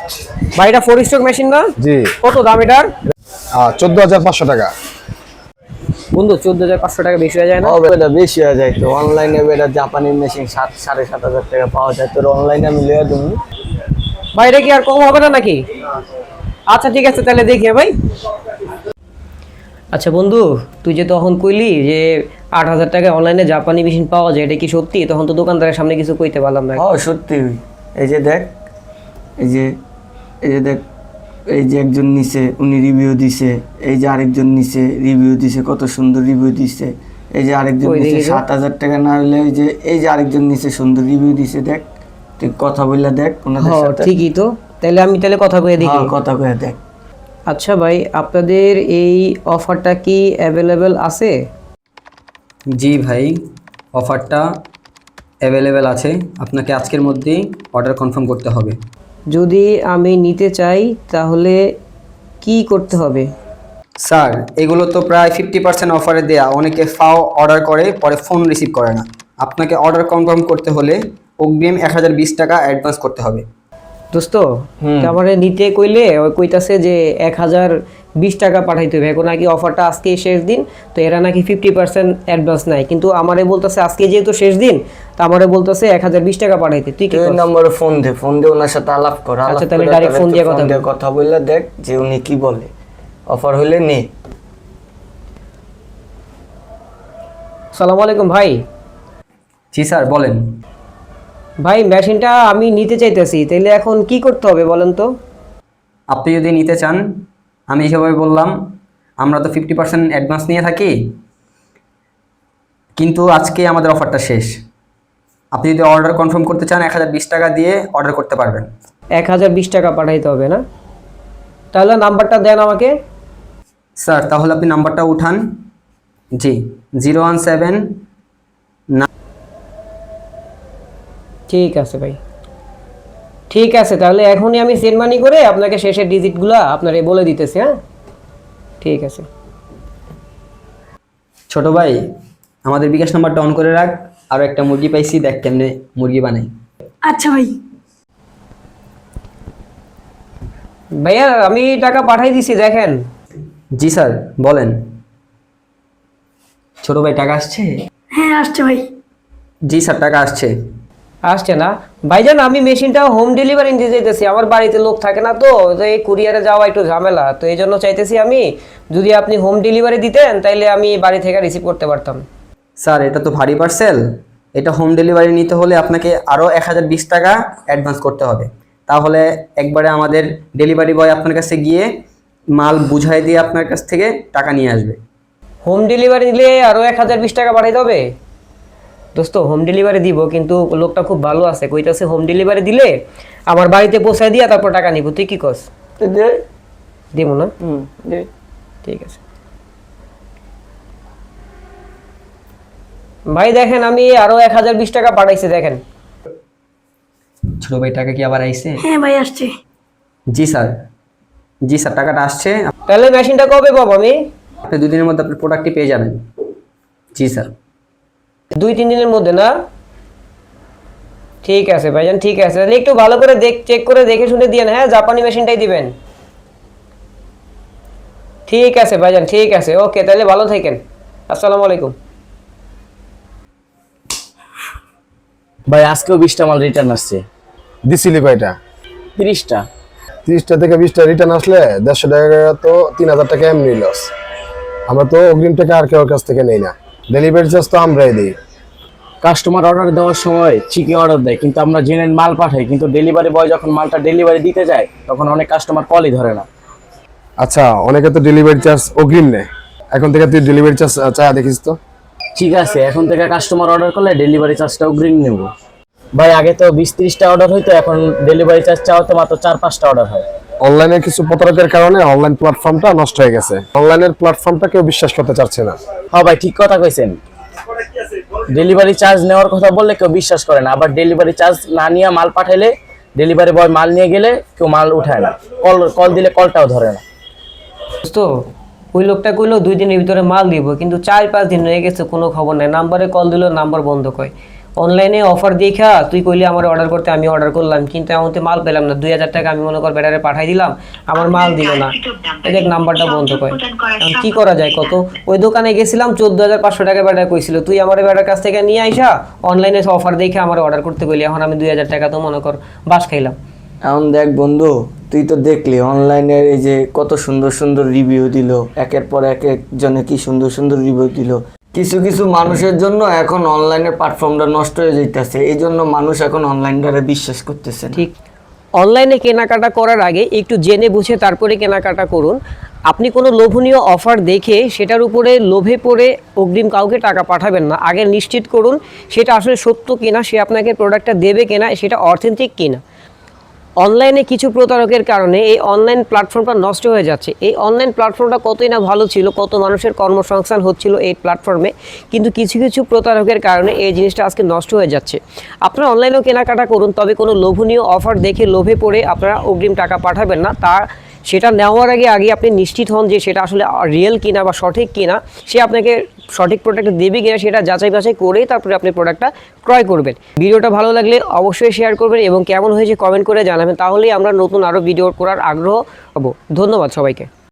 ভাই এটা 4 stroke machine না? জি। কত দাম এটার? 14,500 টাকা। বন্ধু 14,500 টাকা বেশি হয়ে যায় না? এটা বেশি হয়ে যায় তো। অনলাইনে এটা জাপানি মেশিন 7,500 টাকা পাওয়া যায়, তোর অনলাইনে আমি লিয়ে দেবো। ভাই এটা কি আর কম হবে না নাকি? আচ্ছা ঠিক আছে তাহলে দেখি ভাই। আচ্ছা বন্ধু, তুই যে তখন কইলি যে 8,000 টাকায় অনলাইনে জাপানি মেশিন পাওয়া যায়, এটা কি সত্যি? তখন তো দোকানদারের সামনে কিছু কইতে পারলাম না। সত্যি। এই যে দেখ, এই যে দেখ, এই যে একজন নিচে উনি রিভিউ দিছে, এই যে আরেকজন নিচে রিভিউ দিছে, কত সুন্দর রিভিউ দিছে। এই যে আরেকজন নিচে 7,000 টাকা না হলে এই যে আরেকজন নিচে সুন্দর রিভিউ দিছে। দেখ, তুই কথা বললা দেখ ওনাদের সাথে। ঠিকই তো, তাহলে আমি কথা কয়ে দেখি। কথা কয়ে দেখ। আচ্ছা ভাই, আপনাদের এই অফারটা কি অ্যাভেলেবেল আছে? জি ভাই, অফারটা অ্যাভেলেবেল আছে। আপনাকে আজকের মধ্যেই অর্ডার কনফার্ম করতে হবে। যদি আমি নিতে চাই তাহলে কি করতে হবে? স্যার, এগুলো তো প্রায় 50% অফারে দেয়া। অনেকে ফাও অর্ডার করে পরে ফোন রিসিভ করে না। আপনাকে অর্ডার কনফার্ম করতে হলে অগ্রিম 1020 টাকা অ্যাডভান্স করতে হবে। দোস্ত, আমারে নিতে কইলে ওই কইতাছে যে 1020 টাকা পাঠাইতে হবে। এখন নাকি অফারটা আজকে শেষ দিন, তো এরা নাকি 50% অ্যাডভান্স নাই। কিন্তু আমারে বলতেছে আজকে যেহেতু শেষ দিন, তো আমারে বলতেছে 1020 টাকা পাঠাইতে। তুই কি নম্বরে ফোন দে, ওনার সাথে আলাপ কর। আচ্ছা তাহলে ডাইরেক্ট ফোন দিয়ে কথা বললে দেখ যে উনি কি বলে। অফার হলে নে। আসসালামু আলাইকুম ভাই। জি স্যার, বলেন। ভাই মেশিনটা আমি নিতে চাইতেছি, তাইলে এখন কি করতে হবে বলেন তো? আপনি যদি নিতে চান, আমি হিসাবে বললাম, আমরা তো 50% অ্যাডভান্স নিয়ে থাকি, কিন্তু আজকে আমাদের অফারটা শেষ। আপনি যদি অর্ডার কনফার্ম করতে চান 1020 টাকা দিয়ে অর্ডার করতে পারবেন। 1020 টাকা পাঠাইতে হবে না? তাহলে নাম্বারটা দেন আমাকে। স্যার তাহলে আপনি নাম্বারটা উঠান। জি, 017। ঠিক আছে ভাই, ঠিক আছে। তাহলে এখনই আমি সেন্ড মানি করে আপনাকে শেষের ডিজিটগুলো আপনারে বলে দিতেছি। হ্যাঁ ঠিক আছে। ছোট ভাই, আমাদের বিকাশ নাম্বারটা অন করে রাখ। আরও একটা মুরগি পাইছি, দেখ কেমনে মুরগি বানাই। আচ্ছা ভাই। ভাইয়া আমি টাকা পাঠাই দিছি, দেখেন। জি স্যার, বলেন। ছোট ভাই টাকা আসছে? হ্যাঁ আসছে ভাই। জি স্যার, টাকা আসছে। আসছে না? ভাইজান আমি মেশিনটা হোম ডেলিভারি নিতে চাইতেছি। আমার বাড়িতে লোক থাকে না, তো এই কুরিয়ারে যাওয়া একটু ঝামেলা, তো এই জন্য চাইতেছি আমি যদি আপনি হোম ডেলিভারি দিতেন তাইলে আমি বাড়ি থেকে রিসিভ করতে পারতাম। স্যার এটা তো ভারী পার্সেল, এটা হোম ডেলিভারি নিতে হলে আপনাকে আরও 1020 টাকা অ্যাডভান্স করতে হবে। তাহলে একবারে আমাদের ডেলিভারি বয় আপনার কাছে গিয়ে মাল বুঝাই দিয়ে আপনার কাছ থেকে টাকা নিয়ে আসবে। হোম ডেলিভারি দিলে আরও 1020 টাকা পাঠাইতে হবে? দোস্ত হোম ডেলিভারি দিব, কিন্তু লোকটা খুব ভালো আছে, কইতাছে হোম ডেলিভারি দিলে আমার বাড়িতে পৌঁছায় দিয়া তারপর টাকা নিব। তুই কি কস? দিব না? ঠিক আছে ভাই, দেখেন আমি আরো 1020 টাকা পাঠাইছি, দেখেন। ছোট ভাই টাকা কি আবার আইছে? হ্যাঁ ভাই আসছে। জি স্যার, জি স্যার, টাকাটা আসছে। তাহলে মেশিনটা কবে পাবো আমি? আপনি 2 দিনের মধ্যে আপনার প্রোডাক্টটি পেয়ে যাবেন। জি স্যার। 2-3 দিনের মধ্যে না? ঠিক আছে ভাইজান, ঠিক আছে। তাহলে একটু ভালো করে চেক করে দেখে শুনে দিয়েন। হ্যাঁ, জাপানি মেশিনটাই দিবেন। ঠিক আছে ভাইজান, ঠিক আছে। ওকে, তাহলে ভালো থাকেন। আসসালামু আলাইকুম। ভাই আজকেও 20টা মাল রিটার্ন আসছে। দিছিলি কয়টা? 30টা। 30টা থেকে 20টা রিটার্ন আসলে 150 টাকা, তো 3000 টাকা এমনি লস। আমরা তো অগ্রিম টাকা আর কেউ কাছ থেকে নেই না, ডেলিভারি চার্জ তো আমরাই দিই। কাস্টমার অর্ডার দেওয়ার সময় ঠিকই অর্ডার দেয়, কিন্তু আমরা জেনুইন মাল পাঠাই, কিন্তু ডেলিভারি বয় যখন মালটা ডেলিভারি দিতে যায় তখন অনেক কাস্টমার কলই ধরে না। আচ্ছা, অনেকে তো ডেলিভারি চার্জ অগ্রিম নেয়। এখন থেকে তুই ডেলিভারি চার্জ চাই দেখিস তো। ঠিক আছে, এখন থেকে কাস্টমার অর্ডার করলে ডেলিভারি চার্জটা অগ্রিম নেব। ভাই আগে তো 20-30টা অর্ডার হইতো, এখন ডেলিভারি চার্জ চাওয়াতে মাত্র 4-5টা অর্ডার হয়। অনলাইনে কিছু প্রতারকের কারণে অনলাইন প্ল্যাটফর্মটা নষ্ট হয়ে গেছে। অনলাইনের প্ল্যাটফর্মটা কেউ বিশ্বাস করতে চাচ্ছে না। হ্যাঁ ভাই, ঠিক কথা কইছেন। ডেলিভারি চার্জ নেওয়ার কথা বললে কেউ বিশ্বাস করে না, আবার ডেলিভারি চার্জ না নিয়ে মাল পাঠাইলে ডেলিভারি বয় মাল নিয়ে গেলে কেউ মাল উঠায় না, কল দিলে কলটাও ধরে না। দোস্ত ওই লোকটা কইলো 2 দিনের ভিতরে মাল দিব, কিন্তু 4-5 দিন হয়ে গেছে, কোনো খবর নাই। নাম্বারে কল দিল, নাম্বার বন্ধ কয়। অনলাইনে অফার দেখা তুই কইলি আমার অর্ডার করতে, আমি অর্ডার করলাম, কিন্তু এমনতে মাল পেলাম না। 2000 টাকা আমি মনে কর ব্যাটারে পাঠাই দিলাম, আমার মাল দিল না। এই দেখ নাম্বারটা বন্ধ করে। এখন কি করা যায় কত? ওই দোকানে গেছিলাম 14500 টাকা ব্যাটার কইছিল, তুই আমার ব্যাটার কাছ থেকে নিয়ে আইসা অনলাইনে অফার দেখে আমার অর্ডার করতে কইলি, এখন আমি 2000 টাকা তো মনে কর বাস খাইলাম। এখন দেখ বন্ধু, তুই তো দেখলি অনলাইনের এই যে কত সুন্দর সুন্দর রিভিউ দিল, একের পর এক একজনে কি সুন্দর সুন্দর রিভিউ দিল। কিছু কিছু মানুষের জন্য এখন অনলাইনের প্ল্যাটফর্মটা নষ্ট হয়ে যাইতেছে, এই জন্য মানুষ এখন অনলাইনটারে বিশ্বাস করতেছে না। ঠিক, অনলাইনে কেনাকাটা করার আগে একটু জেনে বুঝে তারপরে কেনাকাটা করুন। আপনি কোনো লোভনীয় অফার দেখে সেটার উপরে লোভে পড়ে অগ্রিম কাউকে টাকা পাঠাবেন না। আগে নিশ্চিত করুন সেটা আসলে সত্য কিনা, সে আপনাকে প্রোডাক্টটা দেবে কিনা, সেটা অথেন্টিক কিনা। অনলাইনে কিছু প্রতারকের কারণে এই অনলাইন প্ল্যাটফর্মটা নষ্ট হয়ে যাচ্ছে। এই অনলাইন প্ল্যাটফর্মটা কতই না ভালো ছিল, কত মানুষের কর্মসংস্থান হচ্ছিল এই প্ল্যাটফর্মে, কিন্তু কিছু কিছু প্রতারকের কারণে এই জিনিসটা আজকে নষ্ট হয়ে যাচ্ছে। আপনারা অনলাইনেও কেনাকাটা করুন, তবে কোনো লোভনীয় অফার দেখে লোভে পড়ে আপনারা অগ্রিম টাকা পাঠাবেন না। সেটা নেওয়ার আগে আপনি নিশ্চিত হন যে সেটা আসলে রিয়েল কিনা বা সঠিক কিনা, সে আপনাকে সঠিক প্রোডাক্ট দেবে কিনা সেটা যাচাই বাছাই করেই তারপরে আপনি প্রোডাক্টটা ক্রয় করবেন। ভিডিওটা ভালো লাগলে অবশ্যই শেয়ার করবেন এবং কেমন হয়েছে কমেন্ট করে জানাবেন, তাহলেই আমরা নতুন আরও ভিডিও করার আগ্রহ হব। ধন্যবাদ সবাইকে।